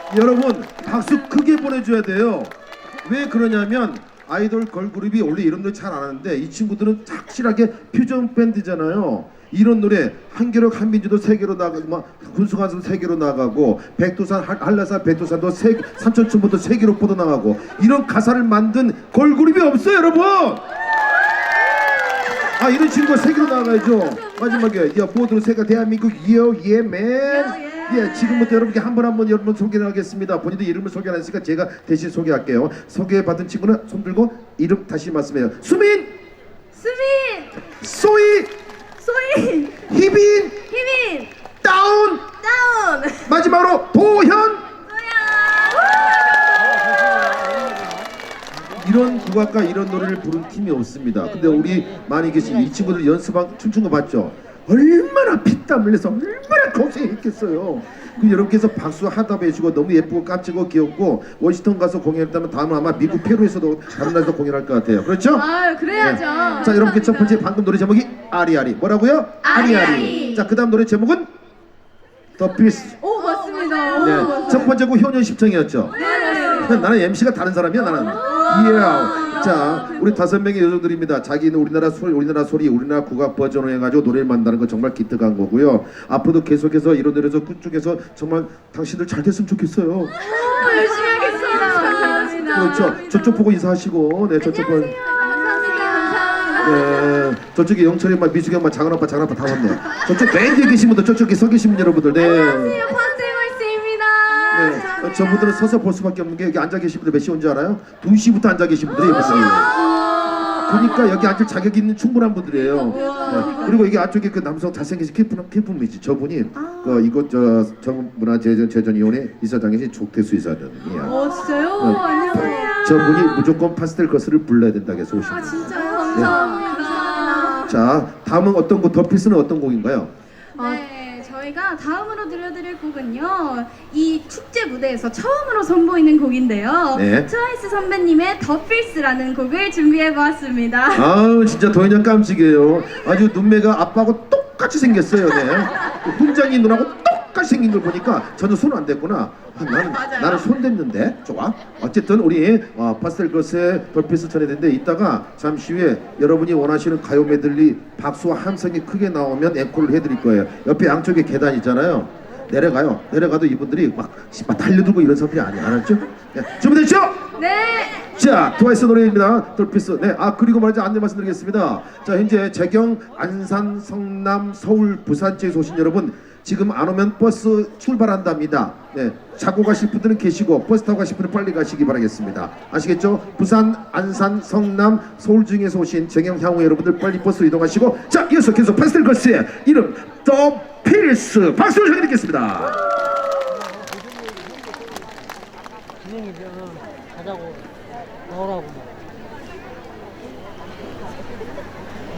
여러분 박수 크게 보내줘야 돼요. 왜 그러냐면 아이돌 걸그룹이 원래 이런 노래 잘 안 하는데 이 친구들은 확실하게 퓨전 밴드잖아요. 이런 노래 한겨력 한민주도 세계로 나가고 막 군수관도 세계로 나가고 백두산 한라산 백두산도 삼천천부도 세계로 뻗어나가고 이런 가사를 만든 걸그룹이 없어요 여러분. 아 이런 친구가 세계로 나가야죠. 마지막에 야 보드로 세가 대한민국 예맨. 예, 지금부터 여러분께 한 분 한 분 여러분 소개를 하겠습니다. 본인도 이름을 소개 안 했으니까 제가 대신 소개할게요. 소개받은 친구는 손 들고 이름 다시 말씀해요. 수민, 소희, 희빈, 다운, 마지막으로 도현. 이런 국악과 이런 노래를 부른 팀이 없습니다. 근데 우리 많이 계신 이 친구들 연습한 춤춘 거 봤죠? 얼마나 피땀 흘려서 얼마나 고생했겠어요. 그럼 여러분께서 박수 하답 해주고 너무 예쁘고 깜찍고 귀엽고 워싱턴 가서 공연했다면 다음은 아마 미국 페루에서도 다른 나라에서 공연할 것 같아요. 그렇죠? 아 그래야죠. 네. 자 여러분께 첫 번째 방금 노래 제목이 아리아리. 뭐라고요? 아리아리. 자 그 다음 노래 제목은 더 필스. 오 맞습니다. 네. 첫 번째고 효년 십청이었죠. 네. 나는 MC가 다른 사람이야 나는. 이야. 자 우리 5명의 여성들입니다. 자기는 우리나라 소리 우리나라 국악 버전으로 해가지고 노래를 만드는 거 정말 기특한 거고요. 앞으로도 계속해서 이런 데서 끝쪽에서 정말 당신들 잘 됐으면 좋겠어요. 열심히 하겠습니다. 감사합니다. 그렇죠. 저쪽 보고 인사하시고. 네 저쪽 보고. 감사합니다. 네, 저쪽에 영철이 엄마, 미숙이 엄마, 작은 아빠 다 왔네. 저쪽 맨 뒤에 계신 분들, 저쪽에 서 계신 분 여러분들, 네. 안녕하세요, 펀세걸스입니다. 네, 저분들은 서서 볼 수밖에 없는 게 여기 앉아 계신 분들 몇 시 온 줄 알아요? 2시부터 앉아 계신 분들이 있어요. 그러니까 여기 앉을 자격이 있는 충분한 분들이에요. 네, 그리고 여기 앞쪽에 그 남성 잘생기신 키프분이지. 저분이 그 이곳 정문화재전위원회 이사장이신 조태수 이사장이야. 진짜요? 안녕하세요. 저분이 무조건 파스텔 거스를 불러야 된다고 해서 오신 거예요. 진짜요? 감사합니다. 자, 다음은 어떤 곡, 더 필스는 어떤 곡인가요? 네, 저희가 다음으로 들려드릴 곡은요, 이 축제 무대에서 처음으로 선보이는 곡인데요. 네. 트와이스 선배님의 더 필스라는 곡을 준비해보았습니다. 아우 진짜 도현이 깜찍해요. 아주 눈매가 아빠하고 똑같이 생겼어요. 네. 그 훈장이 눈하고 똑같이 생긴 걸 보니까 전혀 손 안 댔구나. 아, 나는 손 댔는데 좋아. 어쨌든 우리 파스텔 걸스의 덜필스 전해드는데 이따가 잠시 후에 여러분이 원하시는 가요 메들리 박수와 함성이 크게 나오면 앵콜을 해드릴 거예요. 옆에 양쪽에 계단 있잖아요. 내려가도 이분들이 막 달려들고 이런 사람들이 아니야. 알았죠? 네. 준비됐죠? 네! 자, 트와이스 노래입니다. 덜피스. 네, 그리고 말이죠. 안내 말씀드리겠습니다. 자, 현재 재경, 안산, 성남, 서울, 부산 지에서 오신 여러분, 지금 안 오면 버스 출발한답니다. 네, 자고 가실 분들은 계시고 버스 타고 가실 분은 빨리 가시기 바라겠습니다. 아시겠죠? 부산, 안산, 성남, 서울 중에서 오신 재경 향후 여러분들 빨리 버스로 이동하시고, 자, 이어서 계속 파스텔 걸스의 이름 더 필스 박수를 전해드리겠습니다. 진행이면 가자고 나오라고.